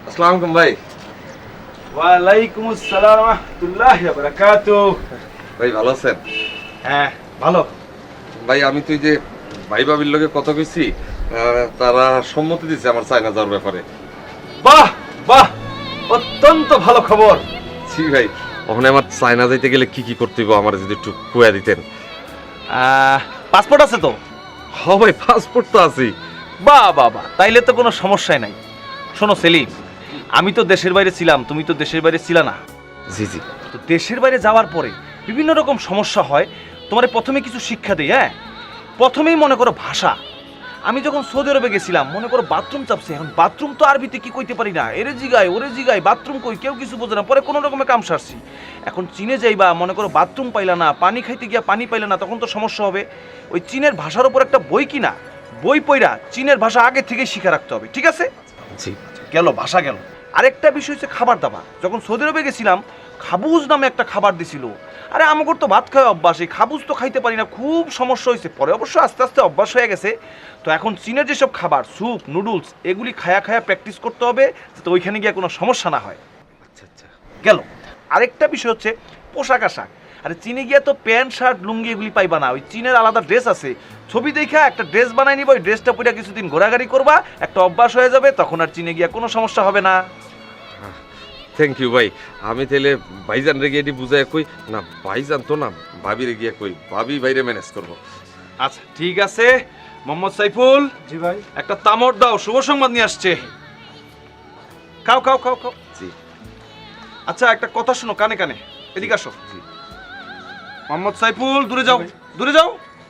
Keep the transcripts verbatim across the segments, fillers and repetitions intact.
আসসালামু আলাইকুম ভাই। ওয়ালাইকুম আসসালাম ওয়া রাহমাতুল্লাহি ওয়া বারাকাতুহু। ভাই ভালো আছেন? হ্যাঁ ভালো। ভাই আমি তুই যে ভাই ভাবির লোকে কথা কইছি, তারা সম্মতি দিচ্ছে আমার চায়না যাওয়ার ব্যাপারে। বাহ বাহ, অত্যন্ত ভালো খবর। জি ভাই, ওখানে আমার চায়না যাইতে গেলে কি কি করতে হবে আমার যদি একটু কুয়া দিতেন। পাসপোর্ট আছে তো? হ্যাঁ ভাই, পাসপোর্ট তো আছেই। বাহ বাহ বাহ, তাইলে তো কোনো সমস্যাই নাই। শোনো সেলিম, আমি তো দেশের বাইরে ছিলাম, তুমি তো দেশের বাইরে ছিলা না। জি জি। তো দেশের বাইরে যাওয়ার পরে বিভিন্ন রকম সমস্যা হয়। তোমার প্রথমে কিছু শিক্ষা দেই। হ্যাঁ, প্রথমেই মনে করো ভাষা। আমি যখন সৌদি আরবে গেছিলাম, মনে করো বাথরুম চাপছে, এখন বাথরুম তো আরবিতে কি কইতে পারি না, এরে জিগায় ওরে জিগায় বাথরুম কই, কেউ কিছু বোঝে না। পরে কোনো রকমে কাম সারছি। এখন চীনে যাইবা, মনে করো বাথরুম পাইলা না, পানি খাইতে গিয়া পানি পাইলা না, তখন তো সমস্যা হবে। ওই চীনের ভাষার উপর একটা বই কিনা, বই পইরা চীনের ভাষা আগে থেকেই শিখে রাখতে হবে, ঠিক আছে? জি। গেল ভাষা গেল। আরেকটা বিষয় হচ্ছে খাবার দাবার। যখন সৌদি আরবে গেছিলাম, খাবুজ নামে একটা খাবার দিছিল। আরে আমাকে তো ভাত খাওয়া অভ্যাস, এই খাবুজ তো খাইতে পারি না, খুব সমস্যা হয়েছে। পরে অবশ্য আস্তে আস্তে অভ্যাস হয়ে গেছে। তো এখন চীনের যেসব খাবার, স্যুপ, নুডলস, এগুলি খায়া খায়া প্র্যাকটিস করতে হবে, যাতে ওইখানে গিয়ে কোনো সমস্যা না হয়। আচ্ছা আচ্ছা। গেল। আরেকটা বিষয় হচ্ছে পোশাক আশাক। আরে চীনে গিয়ে তো প্যান্ট শার্ট লুঙ্গি এগুলি পাইবা না, ওই চীনের আলাদা ড্রেস আছে। ছবি দেখা একটা ড্রেস বানাই নিবা, ওই ড্রেসটা পরে কিছুদিন ঘোরাঘুরি করবা, একটা অভ্যাস হয়ে যাবে, তখন আর চীনে গিয়ে কোনো সমস্যা হবে না। থ্যাংক ইউ ভাই। আমি তাহলে ভাইজান রে গিয়ে এটি বুঝাই কই না, ভাইজান তো না, ভাবি রে গিয়ে কই, ভাবি বাইরে ম্যানেজ করবো। আচ্ছা ঠিক আছে। মোহাম্মদ সাইফুল। জি ভাই। একটা তামড় দাও, শুভ সংবাদ নিয়ে আসছে। খাও খাও খাও খাও। জি। আচ্ছা একটা কথা শোনো, কানে কানে, এদিকে আসো। জি। মোহাম্মদ সাইফুল, দূরে যাও, দূরে যাও।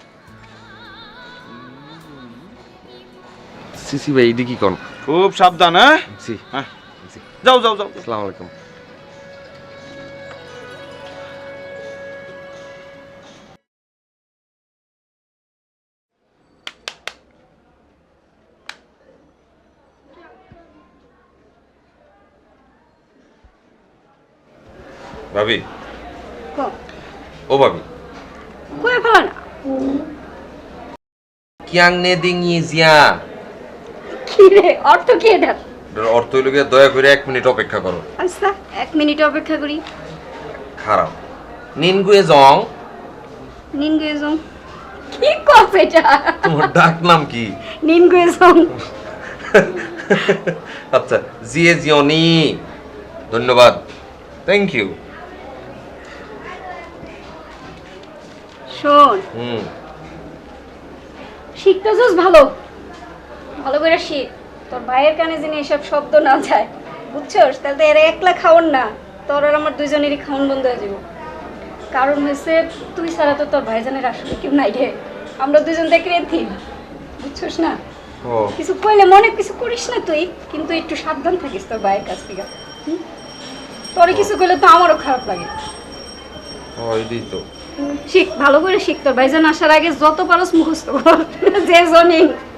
সিসি ভাই এটি কি কোন? খুব সাবধান। হ্যাঁ জি হ্যাঁ, যাও যাও যাও। আসসালামু আলাইকুম। ভাবি, ও ভাবি, কই ফেলা না কিয়াং নে দিং ইজিয়া। কি রে, অর্থ কি এটা? এটার অর্থ হইল গিয়ে দয়া করে এক মিনিট অপেক্ষা করো। আচ্ছা এক মিনিট অপেক্ষা করি। খারাপ নিনগুয়ে জং। নিনগুয়েজং কি কস এটা? তোমার ডাক নাম কি? নিনগুয়েজং। আচ্ছা, জিয়ে জিওনি, ধন্যবাদ, থ্যাংক ইউ। শোন, হুম। শিখতেছস ভালো, ভালো করে শিখ। তোর ভাইয়ের কানে যেন এসব শব্দ না যায়, বুঝছস? তাহলে তো এরা একলা খাওন না, তোর আর আমার দুইজনেরই খাওন বন্ধ হয়ে যাবো। কারণ হয়েছে তুই ছাড়া তো তোর ভাইজানের আসলে কেউ নাই রে, আমরা দুজন দেখে রেথি, বুঝছস না? ও কিছু কইলে মনে কিছু করিস না তুই, কিন্তু একটু সাবধান থাকিস তোর ভাইয়ের কাছ থেকে। তোরে কিছু কইলে তো আমারও খারাপ লাগে। ও এটাই তো। শিখ, ভালো করে শিখ। তোর ভাইজান আসার আগে যত পারস মুখস্থ কর, যে জনি